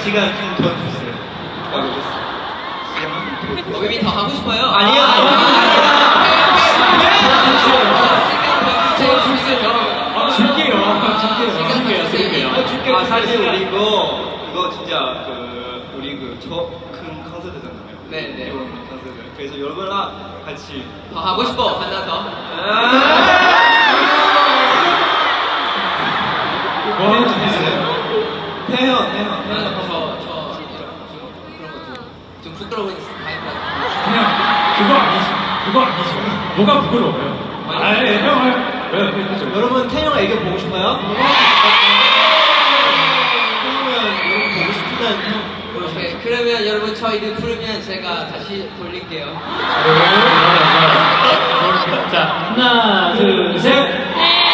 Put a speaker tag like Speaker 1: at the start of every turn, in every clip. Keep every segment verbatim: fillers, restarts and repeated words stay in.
Speaker 1: 시간 좀 더 주세요.
Speaker 2: 우빈이 더 하고 싶어요?
Speaker 1: 아니요.
Speaker 3: 줄게요. 줄게요.
Speaker 1: 줄게요. 줄게요. 아, 사실 우리 이거 이거 진짜 그 우리 그 저 큰 콘서트잖아요.
Speaker 2: 네, 네.
Speaker 1: 이번 콘서트. 그래서 여러분랑 같이
Speaker 2: 더 하고 싶어. 하나 더.
Speaker 3: 뭐 하는 줄 있어요?
Speaker 1: 태연, 태연.
Speaker 2: 아, 저, 저, 좀 그런 거 좀, 좀 부끄러운 타입 같아요.
Speaker 3: 그냥 그거 아니죠. 그거 아니죠. 뭐가 부끄러워요? 아, 예, 형, 형. 왜, 왜, 그죠?
Speaker 1: 여러분 태영 애교 보고 싶어요? 그러면 여러분 보고 싶다는 형.
Speaker 2: 오케이, 그러면 여러분 저희를 부르면 제가 다시 돌릴게요.
Speaker 3: 자, 하나, 둘, 셋.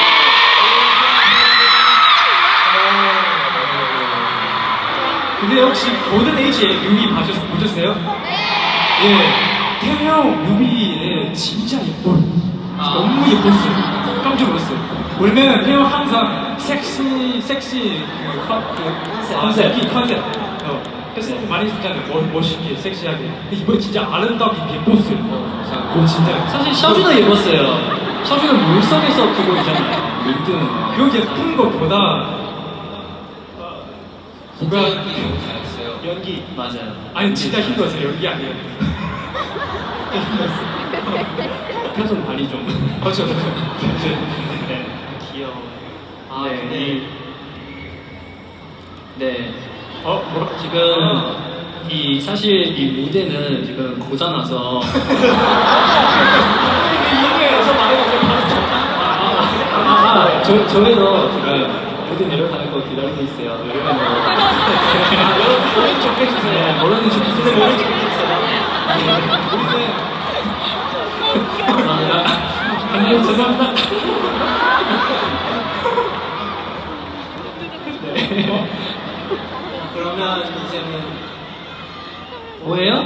Speaker 3: 근데 혹시 고든 에이지의 뮤비 보셨, 보셨어요? 네. 예, 태형 뮤비에 진짜 예뻐요.
Speaker 2: 아.
Speaker 3: 너무 예뻤어요. 깜짝 놀랐어요. 원래는 태형 항상 섹시, 섹시 그, 컨, 그 컨셉, 이 컨셉. 어, 그래서 많이 쓰잖아요. 멋, 멋있게, 섹시하게. 근데 이번에 진짜 아름답게 예뻤어요. 어, 오, 진짜.
Speaker 4: 사실 셔주도 예뻤어요. 셔주는 물속에서 그거 있잖아요.
Speaker 3: 일등 그 예쁜 것보다
Speaker 2: 진짜
Speaker 3: 누가
Speaker 2: 연기 너무 잘했어요.
Speaker 1: 연기.
Speaker 4: 맞아요.
Speaker 3: 아니 진짜 힘들었어요. 연기 아니에요.
Speaker 4: 표정 발이 좀.
Speaker 3: 그렇죠, 그렇죠.
Speaker 4: 네.
Speaker 1: 귀여워.
Speaker 4: 아,
Speaker 3: 네.
Speaker 4: 네. 네.
Speaker 3: 어, 뭐
Speaker 4: 지금 이 사실 이 무대는 지금 고장나서
Speaker 3: 이거에서 말해가지고 바로
Speaker 4: 아, 아, 저, 저희도 지금 무대 내려가는 거 기다리고 있어요. 내려가는 거.
Speaker 3: 아, 여러분 모른 척 해주세요.
Speaker 4: 네, 모르는 척
Speaker 3: 근데 모른 척 해주세요. 우리는
Speaker 4: 아, 아니요, 죄송합니다. 네.
Speaker 1: 그러면 이제는
Speaker 4: 뭐예요?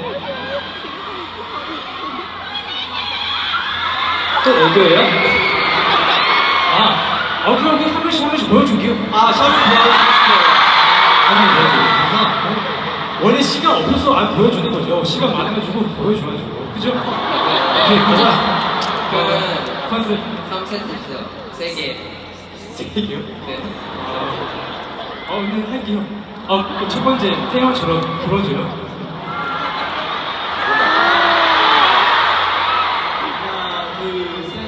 Speaker 4: 또 애교예요?
Speaker 3: 아, 어, 그럼 한 번씩 한 번씩 보여줄게요.
Speaker 1: 아 셔츠 보여주고
Speaker 3: 아니, 네. 원래 시간 없어서 안 보여주는 거죠. 시간 많아가지고 보여줘가지고. 그죠? 오케이, 가자.
Speaker 2: 그러면
Speaker 3: 컨셉.
Speaker 2: 삼 세트 있어요. 세 개.
Speaker 3: 세 개요?
Speaker 2: 네.
Speaker 3: 어, 근데 할게요. 어, 그첫 번째, 태양처럼 불어줘요.
Speaker 1: 하나 둘셋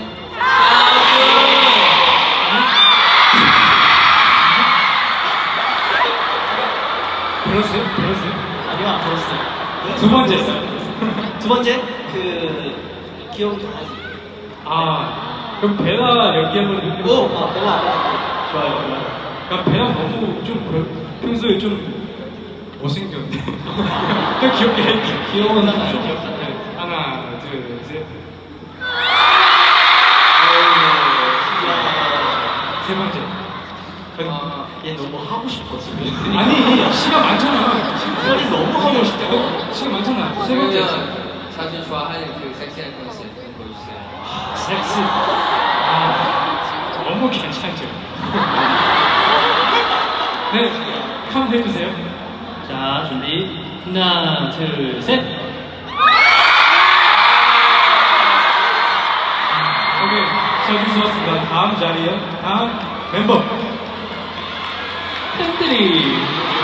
Speaker 3: 불었어요? 불었어요?
Speaker 1: 아니요 안 들었어요.
Speaker 3: 두 번째.
Speaker 1: 두 번째 그 귀여운 강아지.
Speaker 3: 아, 그럼 베라 연기 한번 해볼게요.
Speaker 1: 오, 아, 내가 알아.
Speaker 3: 좋아요, 좋아요. 야, 베라 너무 좀 그- 평소에 좀 못생겼는데. 그냥 귀엽게 할게요.
Speaker 4: 귀여운
Speaker 3: 네,
Speaker 4: 남자.
Speaker 3: 하나, 둘, 셋. 세 번째.
Speaker 2: 아,
Speaker 1: 얘 너무 하고 싶어 지금.
Speaker 3: 아니, 시간 많잖아.
Speaker 1: 소리 너무 하고 싶다고.
Speaker 3: 시간 많잖아. 세 번째.
Speaker 2: 그러면 자주 좋아하는 그 섹시한 컨셉 보여주세요.
Speaker 3: 섹시. 아, 너무 괜찮죠. 네, 카운트 해주세요.
Speaker 4: 자, 준비. 하나, 둘, 셋.
Speaker 3: 오케이, 셔주 수고하셨습니다. 다음 자리요. 다음 멤버.
Speaker 4: 팬들이.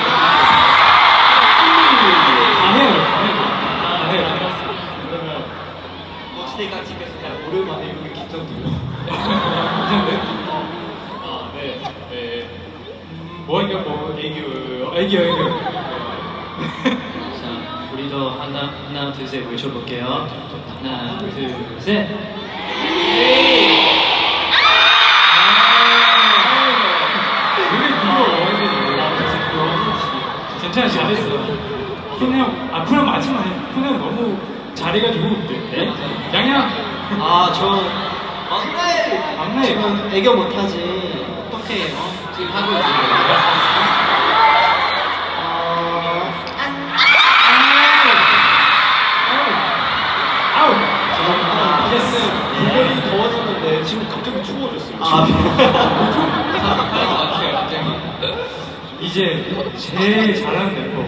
Speaker 3: 다 해요. 다 해요. 다 해요.
Speaker 1: 그러면 멋지게 같이 계속 그냥 오랜만에 여기 긴장돼요.
Speaker 3: 괜찮네.
Speaker 4: 아, 네. 네.
Speaker 3: 뭐 할게요? 뭐 애교, 애교, 애교.
Speaker 4: 자, 우리도 하나, 하나, 둘, 셋 외쳐볼게요. 하나, 둘, 셋.
Speaker 3: 우리 그거 원해요. 괜찮아, 잘했어. 쿤형, 아 쿤형 마지막에 쿤형 너무 잘해가지고 네? 양양.
Speaker 1: 아저 막내.
Speaker 3: 막내.
Speaker 1: 지금 애교 못하지. 어떡해. 어?
Speaker 2: 지금 하고 있어요.
Speaker 3: 아우.
Speaker 1: 아,
Speaker 3: 됐어.
Speaker 1: 물건이 더워졌는데 지금 갑자기 추워졌어요. 아,
Speaker 2: 하는 것 같아요, 갑자기.
Speaker 3: 이제 이제 제일 잘하는 멤버.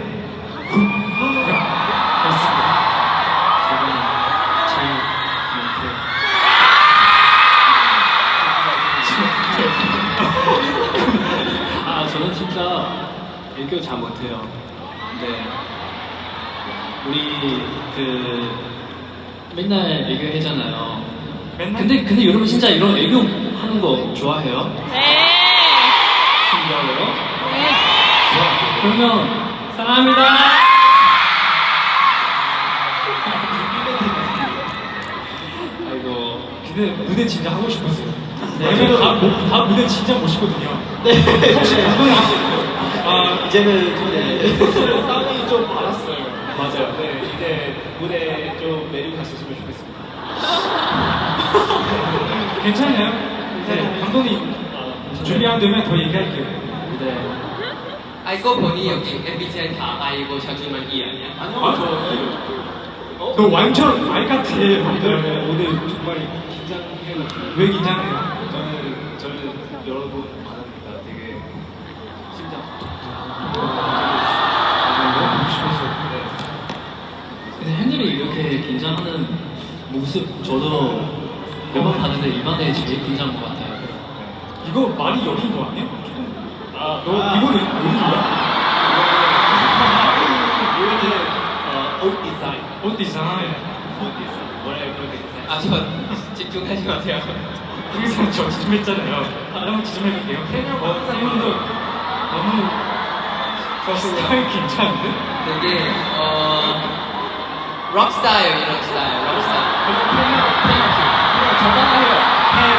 Speaker 3: 맞습니다.
Speaker 4: 제가 제일 못해요. 아, 저는 진짜 애교 잘 못해요. 네. 우리 그 맨날 애교 해잖아요.
Speaker 3: 맨날?
Speaker 4: 근데 근데 여러분 진짜 이런 애교 하는 거 좋아해요?
Speaker 5: 네.
Speaker 4: 좋아해요?
Speaker 5: 네.
Speaker 3: 좋아.
Speaker 4: 그러면 사랑합니다. 아이고.
Speaker 3: 근데 무대 진짜 하고 싶었어요.
Speaker 4: 네,
Speaker 3: 왜냐면
Speaker 4: 저도-
Speaker 3: 다, 뭐- 다 무대 진짜 멋있거든요.
Speaker 2: 네.
Speaker 3: 혹시 그건 아세요? 아,
Speaker 2: 이제는 좀 네.
Speaker 4: 땀이 좀 많았어요. 맞아요. 네, 이제 무대 좀 내리고 갔었으면 좋겠습니다.
Speaker 3: 괜찮아요? 네, 감독님 준비 안 되면 더 얘기할게요.
Speaker 4: 네.
Speaker 2: 아이고 보니 여기 엠비티아이 다 아이고 샤준만 이 아니야?
Speaker 3: 아, 저, 너 완전 알 같아.
Speaker 4: 네, 오늘 정말 긴장해가지고.
Speaker 3: 왜 긴장해요?
Speaker 4: 저는 저는 여러분 많으니까 되게 심장.
Speaker 3: 너무 싶었어요.
Speaker 4: 근데 헨들이 이렇게 긴장하는 모습 저도 몇 번 봤는데 이번에 제일 긴장한 것 같아요.
Speaker 3: 이거 많이 여린 거 아니야? 조금.
Speaker 4: 아,
Speaker 3: 너 이거는 여린 거야?
Speaker 4: 이거는 어, 옷 디자인.
Speaker 3: 옷 디자인.
Speaker 4: 옷 디자인. 원래 그렇게 디자인.
Speaker 2: 아, 저 집중하지 마세요.
Speaker 3: 항상 저 지점했잖아요. 한번 지점해볼게요. 어, 팬분도 너무 스타일 괜찮은데?
Speaker 2: 되게 어 록스타일 이런 스타일, 록스타일. 그냥 적당해요.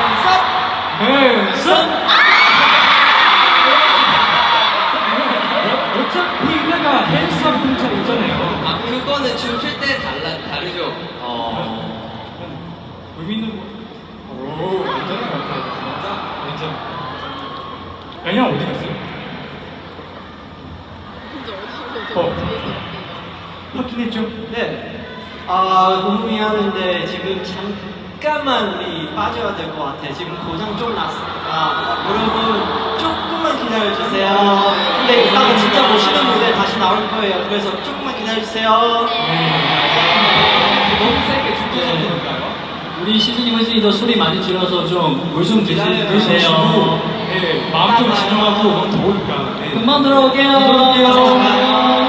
Speaker 3: 네, 선! 어차피 내가 헬스업 분차 있잖아요.
Speaker 2: 아, 그거는 춤출 때 달라 다르죠.
Speaker 4: 어.
Speaker 3: 의미 있는 거. 오, 완전히 같아요. 완전. 양양 어디 갔어요? 어. 확인했죠?
Speaker 6: 네. 아, 너무 미안한데 지금 잠깐만 우리 빠져야 될 것 같아. 지금 고장 좀 났으니까 여러분 조금만 기다려주세요. 근데 이따가 진짜 멋있는 무대 다시 나올 거예요. 그래서 조금만 기다려주세요.
Speaker 2: 너무 세게 춤추는 건가요?
Speaker 4: 우리 시즈니 홀스리더 소리 많이 줄여서 좀 물 좀 드시고
Speaker 3: 네, 마음 좀 진정하고 너무 더우니까. 네.
Speaker 4: 금방 들어올게요.
Speaker 3: 들어올게요.